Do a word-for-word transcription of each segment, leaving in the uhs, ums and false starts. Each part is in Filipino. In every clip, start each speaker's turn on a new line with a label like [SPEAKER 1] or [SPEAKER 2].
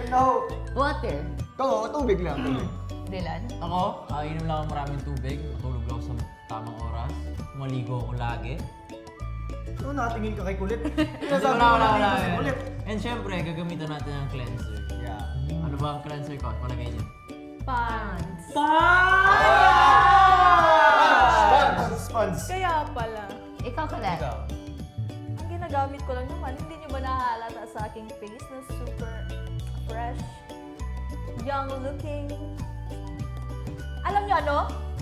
[SPEAKER 1] No.
[SPEAKER 2] Water.
[SPEAKER 1] Ito, tubig lang. Tubig.
[SPEAKER 2] Dylan?
[SPEAKER 3] Ako, uh, inom lang ako maraming tubig, matulog lang ako sa tamang oras, maligo ako lagi.
[SPEAKER 1] Ano, nakatingin ka kay kulit?
[SPEAKER 3] Hindi,
[SPEAKER 1] Sinasabi
[SPEAKER 3] wala,
[SPEAKER 1] mo
[SPEAKER 3] wala,
[SPEAKER 1] na
[SPEAKER 3] wala.
[SPEAKER 1] dito sa kulit.
[SPEAKER 3] And syempre, gagamitan natin ng cleanser.
[SPEAKER 1] Yeah.
[SPEAKER 3] Ano ba ang cleanser ko? Palagay niyo.
[SPEAKER 2] Pants.
[SPEAKER 1] Sponge! Sponge!
[SPEAKER 4] Kaya pala.
[SPEAKER 2] Ikaw, Colette.
[SPEAKER 3] Ikaw.
[SPEAKER 4] Ang ginagamit ko lang naman, hindi niyo ba nahalata sa aking face na super fresh, young looking? Alam niyo ano?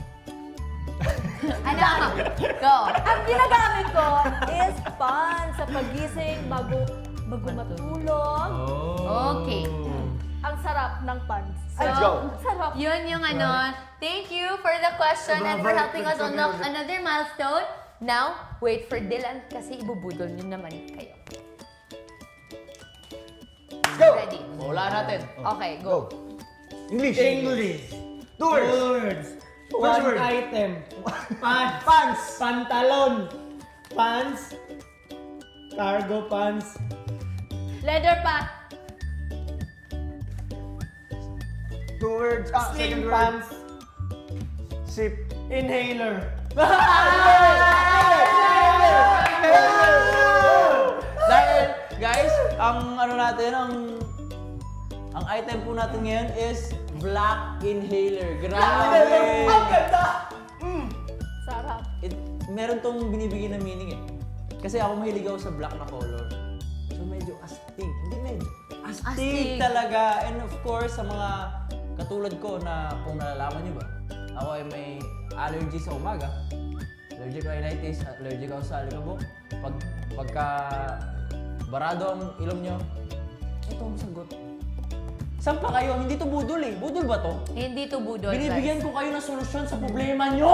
[SPEAKER 2] Ano? Go.
[SPEAKER 4] Ang ginagamit ko is pan sa pagising bago bago matulog.
[SPEAKER 3] Oh.
[SPEAKER 2] Okay.
[SPEAKER 4] Ang sarap ng pants.
[SPEAKER 1] Let's go.
[SPEAKER 4] Ang sarap.
[SPEAKER 2] Yun yung ano. Thank you for the question and for helping us unlock another milestone. Now, wait for Dylan kasi ibubudol nyo naman kayo.
[SPEAKER 1] Let's go!
[SPEAKER 2] Ready?
[SPEAKER 3] Wala natin.
[SPEAKER 2] Okay, go.
[SPEAKER 1] Go. English.
[SPEAKER 5] English.
[SPEAKER 1] Two words.
[SPEAKER 5] Two words.
[SPEAKER 1] First
[SPEAKER 5] One
[SPEAKER 1] word.
[SPEAKER 5] item. Pants.
[SPEAKER 1] Pants.
[SPEAKER 5] Pantalon. Pants. Cargo pants.
[SPEAKER 4] Leather pant.
[SPEAKER 1] Two words. Ah, second
[SPEAKER 5] Slim
[SPEAKER 1] word.
[SPEAKER 5] pants.
[SPEAKER 1] Sip.
[SPEAKER 5] Inhaler.
[SPEAKER 3] Dahil, guys, ang ano natin, ang ang item po natin ngayon is black inhaler. Grabe!
[SPEAKER 1] Ang ganda!
[SPEAKER 4] Sarap.
[SPEAKER 3] It, meron tong binibigyan na meaning eh. Kasi ako mahilig ako sa black na color. So medyo astig. Hindi medyo. Astig,
[SPEAKER 2] Astig.
[SPEAKER 3] talaga. And of course, sa mga katulad ko na kung nalalaman nyo ba, ako ay may allergy sa umaga. Allergic rhinitis, allergic ako sa alikabok. Pag, pagka barado ang ilong nyo, ito ang sagot. Saan pa kayo? Hindi to budol eh. Budol ba to?
[SPEAKER 2] Hindi to budol,
[SPEAKER 3] Binibigyan
[SPEAKER 2] guys.
[SPEAKER 3] ko kayo ng solusyon sa problema nyo!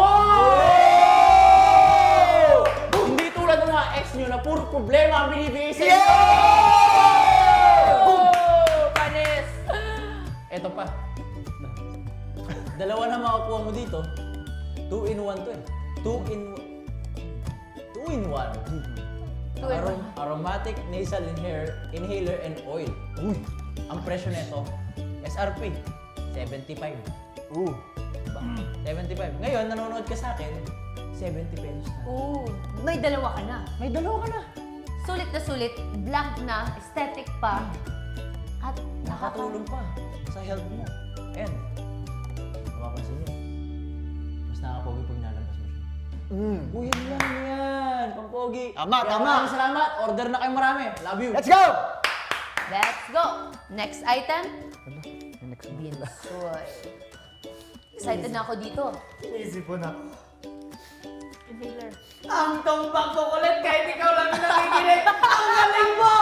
[SPEAKER 3] Hindi tulad ng mga ex nyo na puro problema ang binibigay sa inyo!
[SPEAKER 4] Boom! Panis!
[SPEAKER 3] Eto pa. Dalawa na makukuha mo dito. Two in one to eh. Two in... Two in one.
[SPEAKER 2] Two in
[SPEAKER 3] Arom- aromatic nasal inhaler, inhaler and oil. Uy! Ang presyo nito, S R P, seventy-five.
[SPEAKER 1] Ooh.
[SPEAKER 3] Diba? seventy-five. Ngayon, nanonood ka sa akin, seventy pesos na.
[SPEAKER 2] Ooh, may dalawa ka na.
[SPEAKER 3] May dalawa ka na.
[SPEAKER 2] Sulit na sulit, black na, aesthetic pa, at
[SPEAKER 3] Nakatulong pa sa health mo. And, mapapansin nyo, mas nakakapogi pag nalabas mo siya.
[SPEAKER 1] Mm.
[SPEAKER 3] Uy, yan lang yan! Pampogi!
[SPEAKER 1] Tama,
[SPEAKER 3] Kaya
[SPEAKER 1] tama.
[SPEAKER 3] maraming salamat! Order na kayo marami! Love you!
[SPEAKER 1] Let's go!
[SPEAKER 2] Let's go! Next item,
[SPEAKER 1] Next
[SPEAKER 2] Binsoy. Excited na ako dito.
[SPEAKER 5] Iisip ko na.
[SPEAKER 4] Inhaler.
[SPEAKER 5] Ang tumbang ko ulit kahit ikaw lang yung nakikinig. Ang galing mo!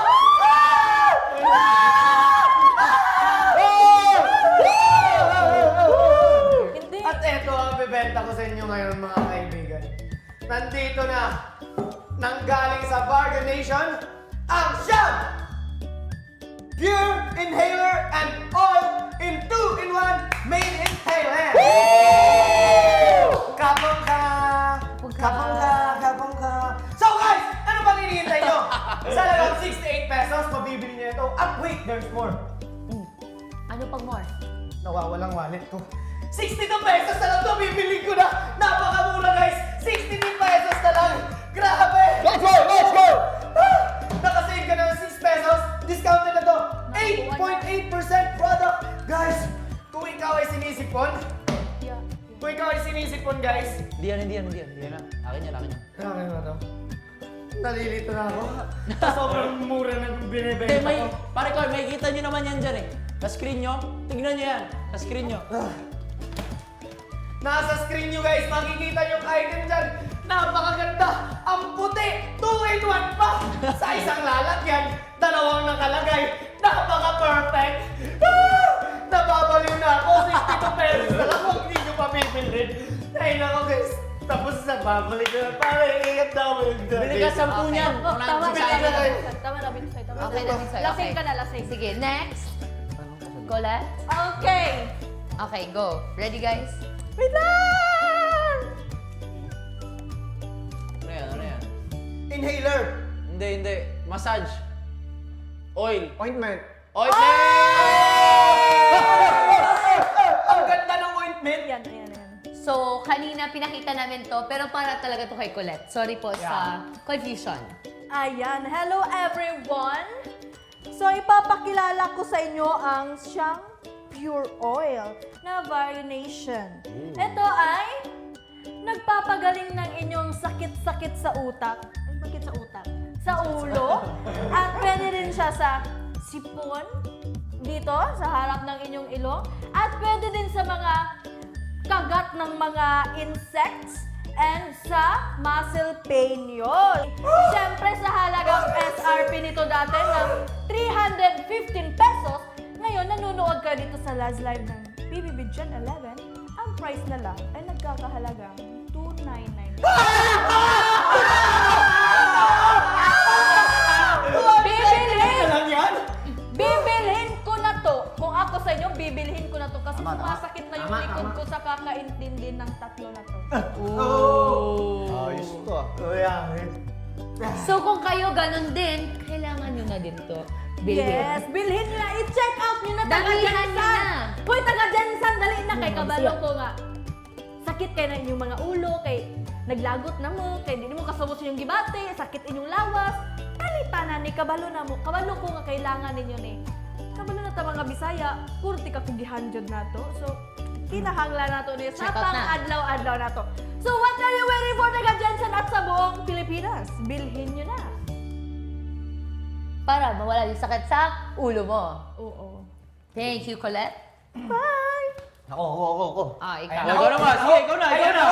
[SPEAKER 4] Hindi.
[SPEAKER 5] At eto ang bibenta ko sa inyo ngayon mga kaibigan. Nandito na, nanggaling sa Bargain Nation, ang Sham! Pure Inhaler and Oil in two in one made in Thailand! Kapong ka! Kapong ka! Kapong ka! So guys, ano bang hinihintay nyo? Sa lagang sixty-eight pesos, mabibili niyo ito. At wait, there's more.
[SPEAKER 2] Ano pang more?
[SPEAKER 5] Nawawalang wallet ko. sixty-two pesos na lang ito, bibili ko na! Napakamura guys! sixty-two pesos na lang! Grabe!
[SPEAKER 1] Let's go! Let's go!
[SPEAKER 5] Ah! Nakasave ka ng six pesos, discounted na to! eight point eight percent product! Guys, kung ikaw ay sinisipon,
[SPEAKER 4] Yeah.
[SPEAKER 5] kung ikaw ay sinisipon guys,
[SPEAKER 3] Hindi yan, hindi yan, hindi yan. Hindi yan na. Akin yan, akin yan.
[SPEAKER 5] okay ba to? Nalilito na ako. Sobrang mura ng
[SPEAKER 3] Hindi,
[SPEAKER 5] binibenta
[SPEAKER 3] may,
[SPEAKER 5] ko.
[SPEAKER 3] pare ko, may kita nyo naman yan dyan eh. Sa screen nyo, tignan nyo yan. Sa screen nyo.
[SPEAKER 5] Nasa screen nyo guys, makikita yung item dyan. Napakaganda! Ang puti! two in one pa! Sa isang lalagyan, dalawang nakalagay. Napaka-perfect! Ah! Nababaliw na ako! sixty-two pesos na lang kung hindi nyo pa bibilhin. Ay nako guys, tapos na babalik ko na pare. Ingat daw yung
[SPEAKER 3] Bili ka sampu
[SPEAKER 2] Okay.
[SPEAKER 3] niyan.
[SPEAKER 4] Oh, tama na,
[SPEAKER 3] Wala
[SPEAKER 4] tama
[SPEAKER 3] nang
[SPEAKER 4] na.
[SPEAKER 3] sasali.
[SPEAKER 4] Tama na, Binsoy. Tama
[SPEAKER 2] Okay
[SPEAKER 4] na.
[SPEAKER 2] na, Binsoy.
[SPEAKER 4] Lasing
[SPEAKER 2] Okay.
[SPEAKER 4] ka na, lasing.
[SPEAKER 2] Sige, next. Colette?
[SPEAKER 4] Okay.
[SPEAKER 2] Okay, go. Ready, guys?
[SPEAKER 4] Wait lang!
[SPEAKER 3] Ano yan, ano yan?
[SPEAKER 5] Inhaler!
[SPEAKER 3] Hindi, hindi. Massage. Oil.
[SPEAKER 1] Ointment.
[SPEAKER 3] Ointment!
[SPEAKER 5] ointment.
[SPEAKER 4] Yan, ayan, ayan.
[SPEAKER 2] So, kanina pinakita namin to, pero para talaga to kay Colette. Sorry po sa confusion.
[SPEAKER 4] Ayan, hello everyone! So, ipapakilala ko sa inyo ang siyang Pure Oil na Varination. Ito ay nagpapagaling ng inyong sakit-sakit sa utak. Ay, bakit sa utak? Sa ulo. At pwede rin siya sa sipon, dito, sa harap ng inyong ilong. At pwede din sa mga kagat ng mga insects and sa muscle pain yun. Siyempre sa halagang S R P nito dati ng three hundred fifteen pesos, ngayon nanonood ka dito sa last live ng P B B Gen eleven, ang price na lang ay nagkakahalagang two ninety-nine. Bibilhin!
[SPEAKER 5] Ano lang yan?
[SPEAKER 4] Bibilhin ko na to. Kung ako sa inyo, bibilhin ko na to kasi sumasakit na yung likod ko sa kakaintindi ng tatlo na to.
[SPEAKER 1] Ayos to ah.
[SPEAKER 5] Oh, yeah.
[SPEAKER 2] So, kung kayo ganun din, kailangan nyo na din to. Bilhin.
[SPEAKER 4] Yes, bilhin nyo na. I-check out nyo na taga
[SPEAKER 2] Damihan nyo
[SPEAKER 4] Jensan.
[SPEAKER 2] na.
[SPEAKER 4] Hoy, taga Jensan, dali na kay
[SPEAKER 2] Hmm,
[SPEAKER 4] kabalo
[SPEAKER 2] siya.
[SPEAKER 4] ko nga. Sakit kayo na inyong mga ulo, kay naglagot na mo, kay di mo kasabot inyong gibate, sakit inyong lawas. Kalita na ni kabalo na mo. Kabalo ko nga kailangan ninyo ni. Kabalo na ta mga Bisaya, kurti ka kung gihanjod na to. So, kinahangla na to ni sa
[SPEAKER 2] Check out na.
[SPEAKER 4] pang-adlaw-adlaw na to. So, what are you waiting for taga Jensan at sa buong Pilipinas? Bilhin nyo na.
[SPEAKER 2] Para mawala yung sakit sa ulo mo.
[SPEAKER 4] Oo.
[SPEAKER 2] Thank you, Colette.
[SPEAKER 4] Bye!
[SPEAKER 1] Ako, ako, ako, ako.
[SPEAKER 2] Ah,
[SPEAKER 3] Oh,
[SPEAKER 2] ikaw.
[SPEAKER 3] ikaw naman. Sige, ikaw na, ikaw na.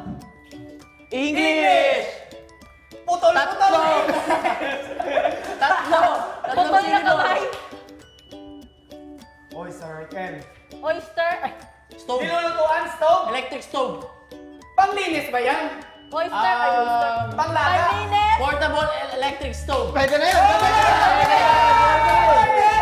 [SPEAKER 3] English!
[SPEAKER 5] Putol-putol!
[SPEAKER 3] Tatlo!
[SPEAKER 4] Putol na
[SPEAKER 3] sino?
[SPEAKER 4] kamay!
[SPEAKER 5] Oy, Sir Ken.
[SPEAKER 4] Oyster! Ay,
[SPEAKER 3] Stove.
[SPEAKER 5] Nilulutuan, stove.
[SPEAKER 3] Electric stove.
[SPEAKER 5] Panglinis ba yan?
[SPEAKER 4] oyster! Ay, oyster!
[SPEAKER 3] Um,
[SPEAKER 5] Panglaga?
[SPEAKER 4] Paninis!
[SPEAKER 3] Portable e- electric stove.
[SPEAKER 1] Pwede na yun! Pwede na yun!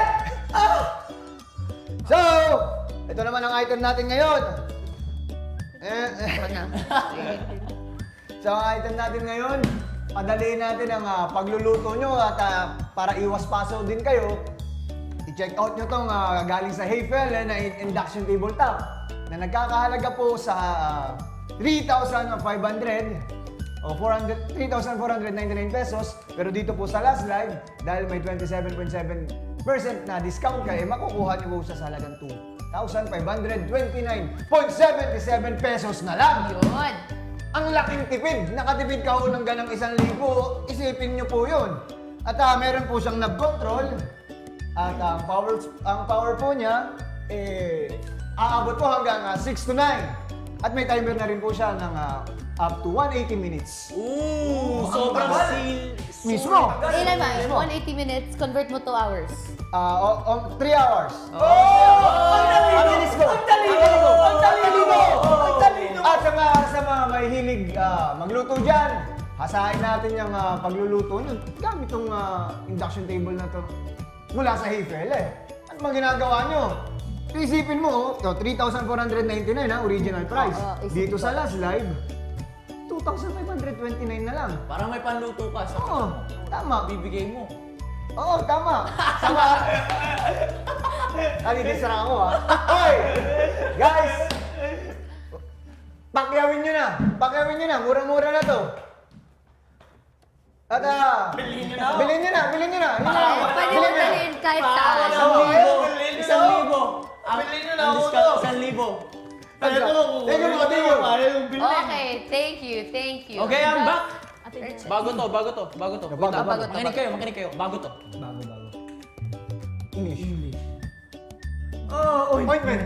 [SPEAKER 1] So, ito naman ang item natin ngayon. Eh, eh. So, ang item natin ngayon, padaliin natin ang ah, pagluluto nyo at ah, para iwas paso din kayo, i-check out nyo tong ah, galing sa Hayfel eh, na in- induction tabletop na nagkakahalaga po sa ah, three thousand five hundred o four hundred three thousand four hundred ninety-nine pesos. Pero dito po sa last live, dahil may twenty-seven point seven percent na discount ka, eh makukuha nyo po siya sa halagang two thousand five hundred twenty-nine point seven seven pesos na lang.
[SPEAKER 2] Yun.
[SPEAKER 1] Ang laking tipid. Nakatipid ka ho ng ganang isang libo. Isipin nyo po yun. At ah, meron po siyang knob control. At ang power, ang power po niya, eh, aabot po hanggang ah, six to nine. At may timer na rin po siya ng ah, up to one hundred eighty minutes.
[SPEAKER 3] Ooh, sobrang seal.
[SPEAKER 1] Mismo.
[SPEAKER 2] Ilan ba? one hundred eighty minutes, convert mo to hours.
[SPEAKER 1] Ah, o, o, three hours.
[SPEAKER 5] Ang talino!
[SPEAKER 1] Ang bilis ko.
[SPEAKER 5] Ang talino! Ang talino! Ang talino!
[SPEAKER 1] At sa mga, sa mga may hilig ah, magluto dyan, hasahin natin yung ah, pagluluto nyo gamit itong ah, induction table na to mula sa Hayfel eh. Ano bang ginagawa nyo? Isipin mo, oh, three thousand four hundred ninety-nine ha, original price.
[SPEAKER 2] Oo, isipin
[SPEAKER 1] Dito
[SPEAKER 2] ko.
[SPEAKER 1] sa last live, two thousand five hundred twenty-nine na lang.
[SPEAKER 3] Parang may panluto ka sa
[SPEAKER 1] Oo, tama.
[SPEAKER 3] bibigay mo.
[SPEAKER 1] Oo, tama. Sama. Alidisra ako ha. Hoy! Guys! Pakyawin nyo na. Pakyawin nyo na. Mura-mura na to. At ah...
[SPEAKER 5] Bilhin nyo na.
[SPEAKER 1] Bilhin nyo na. Bilhin nyo na. Yun na.
[SPEAKER 2] Pwede mo
[SPEAKER 1] Bilhin nyo na.
[SPEAKER 2] dalhin kahit saan.
[SPEAKER 3] Isang
[SPEAKER 1] Oo,
[SPEAKER 3] libo.
[SPEAKER 5] bilhin nyo
[SPEAKER 3] Isang
[SPEAKER 5] na.
[SPEAKER 3] libo. Ang,
[SPEAKER 5] Bilhin nyo na
[SPEAKER 3] ang
[SPEAKER 5] ako
[SPEAKER 3] discount,
[SPEAKER 5] to.
[SPEAKER 3] isang libo.
[SPEAKER 5] Pero ito,
[SPEAKER 1] Thank you, mga thank you.
[SPEAKER 5] Ayaw yung bilhin.
[SPEAKER 2] Okay, thank you, thank you.
[SPEAKER 3] Okay, I'm back.
[SPEAKER 4] Ate Jen.
[SPEAKER 3] Bago to, bago to, bago to. Wait
[SPEAKER 1] Bago,
[SPEAKER 3] lang.
[SPEAKER 1] bago,
[SPEAKER 3] Makinig
[SPEAKER 2] bago.
[SPEAKER 3] kayo, makinig kayo. Bago to.
[SPEAKER 1] English.
[SPEAKER 5] Oh, oy.
[SPEAKER 1] Ointment.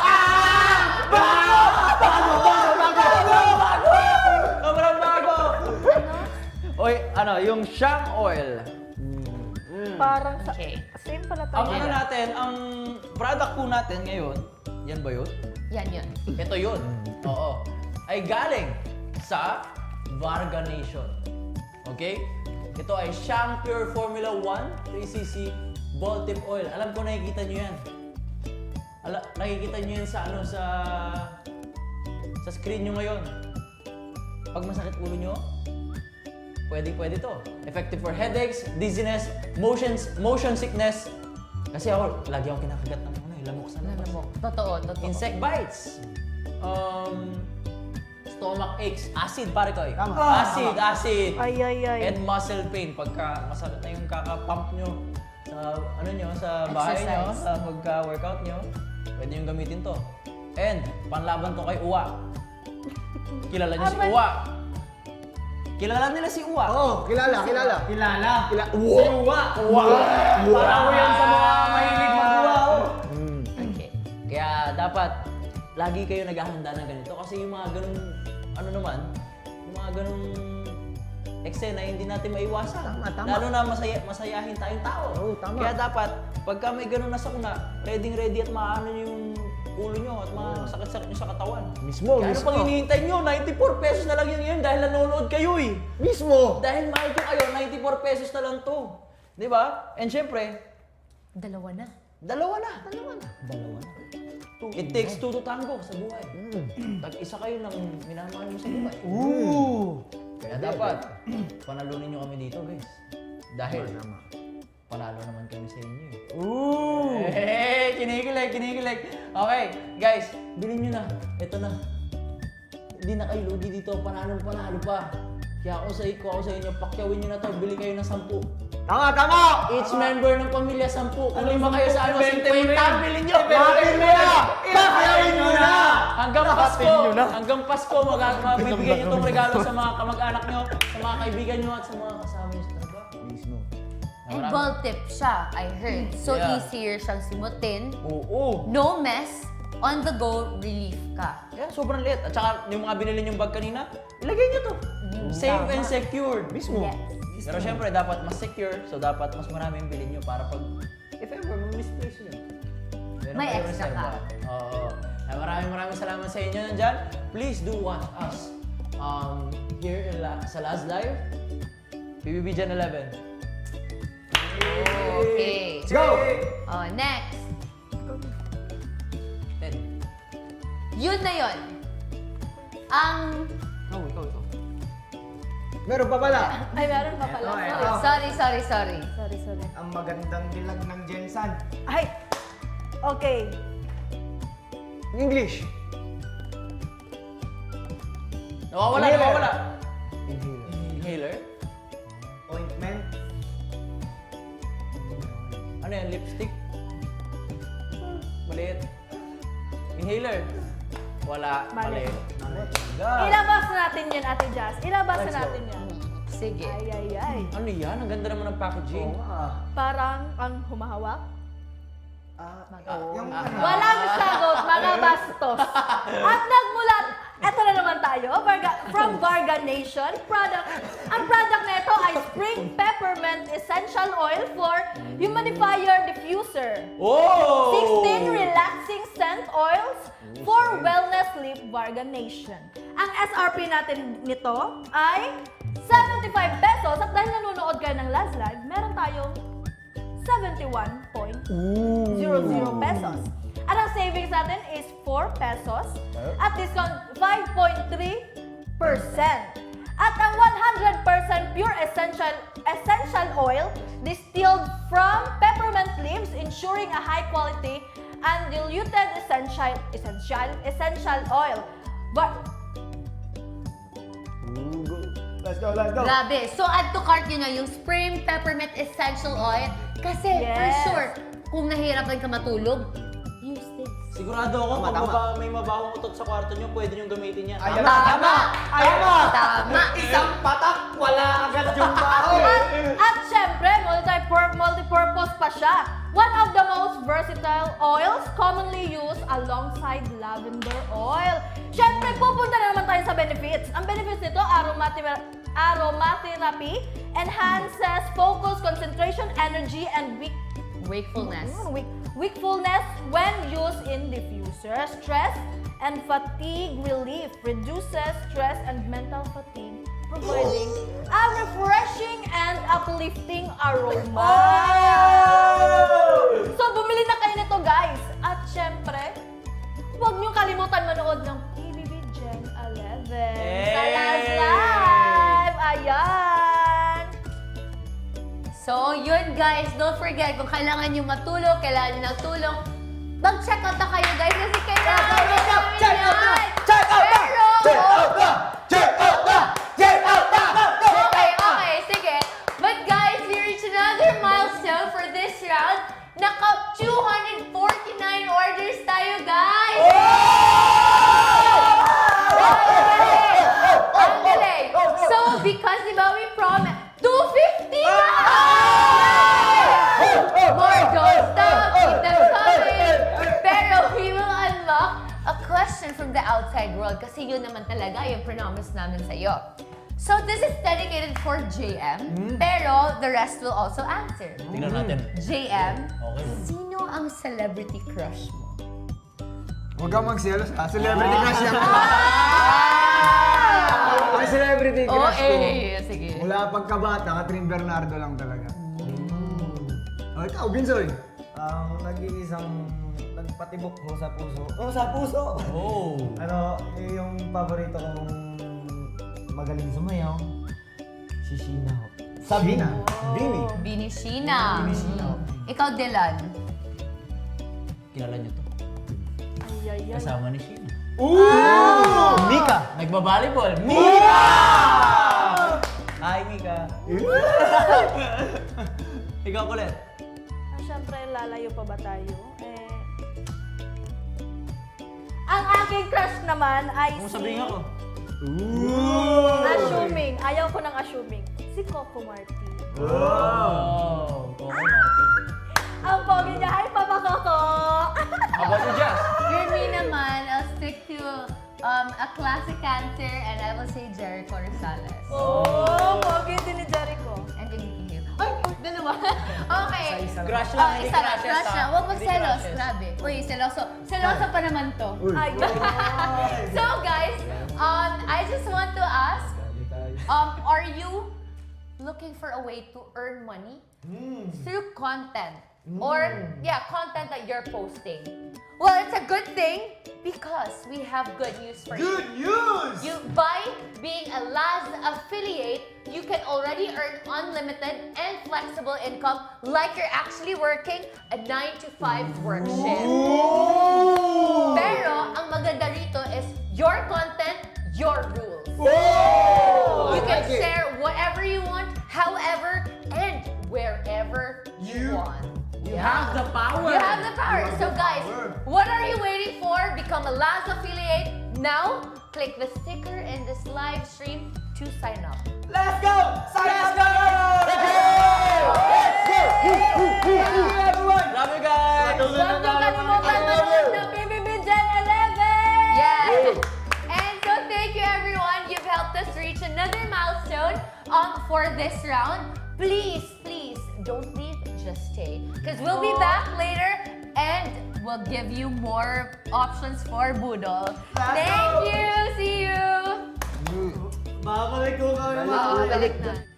[SPEAKER 3] Sobrang bago! Oy, ano, yung Shang Oil.
[SPEAKER 4] Parang sa...
[SPEAKER 2] Okay.
[SPEAKER 4] Same pala
[SPEAKER 3] Ang
[SPEAKER 4] tayo.
[SPEAKER 3] ano natin, ang product po natin ngayon, yan ba yun?
[SPEAKER 2] Yan yun.
[SPEAKER 3] Ito yun. Oo. Ay galing sa Varga Nation. Okay? Ito ay Shang Pure Formula one three C C Ball Tip Oil. Alam ko nakikita nyo yan. Ala, nakikita nyo yan sa ano sa sa screen nyo ngayon. Pag masakit ulo nyo, pwede pwede to. Effective for headaches, dizziness, motions, motion sickness. Kasi ako, lagi akong kinakagat ng ano, eh, lamok sa
[SPEAKER 2] Alam
[SPEAKER 3] labas.
[SPEAKER 2] mo, totoo, totoo.
[SPEAKER 3] Insect bites. um, stomach aches, acid pare ko eh.
[SPEAKER 1] Tama.
[SPEAKER 3] Acid, acid.
[SPEAKER 4] Ay, ay, ay.
[SPEAKER 3] And muscle pain pagka masakit na yung kaka-pump nyo sa ano nyo, sa bahay nyo,
[SPEAKER 2] Exercise.
[SPEAKER 3] sa pagka-workout nyo, pwede yung gamitin to. And panlaban to kay Uwa. Kilala niyo si
[SPEAKER 4] Aman.
[SPEAKER 3] Uwa. Kilala nila si Uwa.
[SPEAKER 1] Oo, kilala, kilala.
[SPEAKER 5] Kilala.
[SPEAKER 1] Kila-
[SPEAKER 5] Si Uwa. Uwa. Parang ko yan sa mga mahilig mag-uwa. oh.
[SPEAKER 2] Okay.
[SPEAKER 3] Kaya dapat lagi kayo naghahanda ng ganito kasi yung mga ganung ano naman, yung mga ganung eksena hindi natin maiwasan.
[SPEAKER 1] Tama, tama.
[SPEAKER 3] Lalo na masaya, masayahin tayong tao.
[SPEAKER 1] Oo, tama.
[SPEAKER 3] Kaya dapat pagka may ganun na sakuna, ready ready at maano nyo yung ulo nyo at masakit-sakit nyo sa katawan.
[SPEAKER 1] Mismo,
[SPEAKER 3] Kaya ano
[SPEAKER 1] mismo.
[SPEAKER 3] pang hinihintay nyo? ninety-four pesos na lang yun ngayon dahil nanonood kayo eh.
[SPEAKER 1] Mismo!
[SPEAKER 3] Dahil mahal ko kayo, ninety-four pesos na lang to. Di ba? And syempre,
[SPEAKER 2] Dalawa na.
[SPEAKER 3] dalawa na. Dalawa na. Dalawa na. It takes two to tango sa buhay. Tag-isa kayo ng minamahal mo sa buhay.
[SPEAKER 1] Ooh!
[SPEAKER 3] Kaya dapat, panalunin nyo kami dito, guys. Dahil, panalo naman kami sa inyo. eh.
[SPEAKER 1] Ooh!
[SPEAKER 3] Hey, kinikilig, kinikilig. Okay, guys, bilhin nyo na. Ito na. Hindi na kayo lugi dito. Panalo, panalo pa. Kaya ako sa, ko ako sa inyo, pakyawin nyo na to. Bili kayo ng sampu.
[SPEAKER 1] Tama, tama!
[SPEAKER 3] Each member ng pamilya, sampu. Kung lima kayo sa ano,
[SPEAKER 5] Ibente mo
[SPEAKER 3] fifty,
[SPEAKER 5] na yan.
[SPEAKER 3] bilhin nyo.
[SPEAKER 1] Bakit mo na! Bakit mo na!
[SPEAKER 3] Hanggang Pasko, hanggang Pasko, mag- mabibigyan nyo itong regalo sa mga kamag-anak nyo, sa mga kaibigan nyo, at sa mga kasama nyo sa trabaho.
[SPEAKER 1] Mismo.
[SPEAKER 2] And ball tip siya, I heard. So
[SPEAKER 3] Yeah.
[SPEAKER 2] easier siyang simutin.
[SPEAKER 3] Oo.
[SPEAKER 2] No mess. On the go, relief ka.
[SPEAKER 3] Yeah, sobrang liit. At saka yung mga binili nyong bag kanina, ilagay nyo to. Safe and secured.
[SPEAKER 1] Mismo.
[SPEAKER 2] Yes.
[SPEAKER 3] Pero syempre, dapat mas secure. So, dapat mas marami yung bilhin nyo para pag, if ever, mag-misplace nyo. meron
[SPEAKER 2] May
[SPEAKER 3] kayong
[SPEAKER 2] extra
[SPEAKER 3] reserva. Oo. Kaya maraming maraming salamat sa inyo nandyan. Please do watch us um, here in La- sa Last Live. P B B Gen eleven.
[SPEAKER 2] Okay.
[SPEAKER 1] Let's go!
[SPEAKER 2] Oh, next.
[SPEAKER 3] Ten.
[SPEAKER 2] Yun na yun. Ang...
[SPEAKER 3] Oh, ikaw, ikaw.
[SPEAKER 1] Meron pa pala.
[SPEAKER 4] Ay, meron pa pala.
[SPEAKER 5] Ito,
[SPEAKER 4] Sorry.
[SPEAKER 5] ito.
[SPEAKER 2] Sorry, sorry, sorry.
[SPEAKER 4] Sorry, sorry.
[SPEAKER 5] Ang magandang dilag ng Jensan.
[SPEAKER 4] Ay! Okay.
[SPEAKER 1] English.
[SPEAKER 3] Nawawala,
[SPEAKER 1] Inhaler.
[SPEAKER 3] nawawala.
[SPEAKER 1] Inhaler.
[SPEAKER 3] Inhaler?
[SPEAKER 5] Ointment.
[SPEAKER 3] Ano yan? Lipstick? Maliit. Inhaler? Wala.
[SPEAKER 4] Mali.
[SPEAKER 3] Mali.
[SPEAKER 4] Ilabas natin yun, Ate Jazz. Ilabas
[SPEAKER 3] Let's
[SPEAKER 4] na
[SPEAKER 3] go.
[SPEAKER 4] natin yan.
[SPEAKER 2] Sige.
[SPEAKER 4] Ay, ay, ay.
[SPEAKER 3] Ano yan? Ang ganda naman ng packaging.
[SPEAKER 1] Oo nga.
[SPEAKER 4] Parang ang humahawak.
[SPEAKER 5] Ah,
[SPEAKER 3] Ah,
[SPEAKER 5] yung
[SPEAKER 3] ah,
[SPEAKER 5] ano.
[SPEAKER 4] Walang sagot, mga bastos. At nagmula, eto na naman tayo, Varga, from Varga Nation product. Ang product na ito ay Spring Peppermint Essential Oil for Humidifier Diffuser.
[SPEAKER 3] Oh!
[SPEAKER 4] sixteen relaxing scent oils for wellness sleep Varga Nation. Ang S R P natin nito ay seventy-five pesos at dahil nanonood kayo ng Last Live, meron tayong seventy-one point zero zero pesos. At ang savings natin is four pesos at discount five point three percent. At ang one hundred percent pure essential essential oil distilled from peppermint leaves, ensuring a high quality and diluted essential essential essential oil. But
[SPEAKER 1] Ooh, go. Let's go, let's go.
[SPEAKER 2] Grabe. So, add to cart nyo na yung Spring Peppermint Essential Oil. Kasi, for
[SPEAKER 4] Yes.
[SPEAKER 2] sure, kung nahihirapan ka matulog, use this.
[SPEAKER 3] Sigurado ako,
[SPEAKER 1] Tama,
[SPEAKER 3] pag
[SPEAKER 1] tama.
[SPEAKER 3] maba- may mabahong utot sa kwarto nyo, pwede nyo gamitin yan.
[SPEAKER 5] Ayan.
[SPEAKER 2] Tama!
[SPEAKER 5] Tama!
[SPEAKER 2] Tama!
[SPEAKER 5] Isang patak, wala agad yung baho.
[SPEAKER 4] At, at syempre, multi- multi-purpose pa siya. One of the most versatile oils commonly used alongside lavender oil. Syempre, pupunta na naman tayo sa benefits. Ang benefits nito, aromatherapy, aromatherapy enhances focus, concentration, energy, and weak
[SPEAKER 2] Wakefulness.
[SPEAKER 4] Mm, weak, wakefulness when used in diffuser, stress and fatigue relief, reduces stress and mental fatigue, providing a refreshing and uplifting aroma. So, bumili na kayo nito, guys. At syempre, huwag niyong kalimutan manood ng P B B Gen eleven sa Last Live. Ayan!
[SPEAKER 2] So, yun guys, don't forget, kung kailangan nyo matulog, kailangan nyo ng tulong, mag-check out na kayo guys kasi kailangan
[SPEAKER 5] Check out, check out,
[SPEAKER 2] nyo
[SPEAKER 5] check out
[SPEAKER 2] yan. outside world kasi yun naman talaga yung promise namin sa'yo. So this is dedicated for J M, pero the rest will also answer.
[SPEAKER 3] Tingnan natin.
[SPEAKER 2] J M,
[SPEAKER 3] Okay.
[SPEAKER 2] sino ang celebrity crush mo?
[SPEAKER 1] Huwag kang magselos ha. Celebrity crush yan. Ang celebrity
[SPEAKER 2] Oh,
[SPEAKER 1] crush ko.
[SPEAKER 2] eh, sige.
[SPEAKER 1] Mula pagkabata, Catherine Bernardo lang talaga. Oh, ikaw, Binsoy.
[SPEAKER 5] Ang nag-iisang nagpatibok ko sa puso. Oh, sa puso!
[SPEAKER 3] Oh.
[SPEAKER 5] Ano, eh, yung paborito kong magaling sumayaw, si Sheena ho. Sabi
[SPEAKER 1] Sheena. Bini.
[SPEAKER 2] Bini Sheena.
[SPEAKER 5] Bini Sheena.
[SPEAKER 2] Ikaw, Dylan.
[SPEAKER 3] Kilala niyo to.
[SPEAKER 4] Ay, ay, ay.
[SPEAKER 3] Kasama ni Sheena.
[SPEAKER 1] Ooh! Mika.
[SPEAKER 3] Nagba-volleyball. Mika! Hi, Mika. Ikaw kulit.
[SPEAKER 4] Ah, Siyempre, lalayo pa ba tayo? Eh, ang aking crush naman ay
[SPEAKER 3] Kung
[SPEAKER 4] si...
[SPEAKER 3] sabihin ako.
[SPEAKER 4] Assuming. Ayaw ko ng assuming. Si Coco Martin.
[SPEAKER 3] Oh. Coco Martin.
[SPEAKER 4] Ang pogi niya. Hi, Papa Coco!
[SPEAKER 3] How about you, Jazz?
[SPEAKER 2] For me naman, I'll stick to um, a classic answer and I will say Jericho Rosales.
[SPEAKER 4] Oh, pogi din ni Jericho.
[SPEAKER 2] And Nikki Hill. Ay, dalawa. Okay.
[SPEAKER 3] Crush
[SPEAKER 2] Oh,
[SPEAKER 3] lang, hindi
[SPEAKER 2] isa lang,
[SPEAKER 3] crushes,
[SPEAKER 2] crush
[SPEAKER 3] ha?
[SPEAKER 2] lang. Huwag
[SPEAKER 3] Hindi
[SPEAKER 2] magselos.
[SPEAKER 3] crushes.
[SPEAKER 2] Grabe. Uy, seloso. Seloso pa naman to.
[SPEAKER 4] Ay,
[SPEAKER 2] So guys, um, I just want to ask, um, are you looking for a way to earn money through content? Or, yeah, content that you're posting. Well, it's a good thing because we have good news for you.
[SPEAKER 1] Good news!
[SPEAKER 2] You, by being a Laz affiliate, you can already earn unlimited and flexible income like you're actually working a nine to five work shift. Pero, ang maganda rito is your content, your rules. You can
[SPEAKER 1] like it.
[SPEAKER 2] share whatever you want, however, and wherever you,
[SPEAKER 1] You-
[SPEAKER 2] want.
[SPEAKER 3] You have the power.
[SPEAKER 2] You have the power.
[SPEAKER 1] You have
[SPEAKER 2] So
[SPEAKER 1] the
[SPEAKER 2] guys,
[SPEAKER 1] power.
[SPEAKER 2] what are you waiting for? Become a Laz affiliate now. Click the sticker in this live stream to sign up.
[SPEAKER 5] Let's go! Sign
[SPEAKER 3] Let's
[SPEAKER 5] up!
[SPEAKER 3] go!
[SPEAKER 1] Let's go!
[SPEAKER 5] Thank you, everyone!
[SPEAKER 3] Love you guys!
[SPEAKER 4] huwag niyo kalimutan manood ng P B B Gen eleven!
[SPEAKER 2] Yes. And so thank you everyone. You've helped us reach another milestone um, for this round. Please, please don't leave. Just stay. Because we'll be back later and we'll give you more options for Budol. Thank you. See you.
[SPEAKER 5] Babalik ko kami.
[SPEAKER 2] Oh, balik na.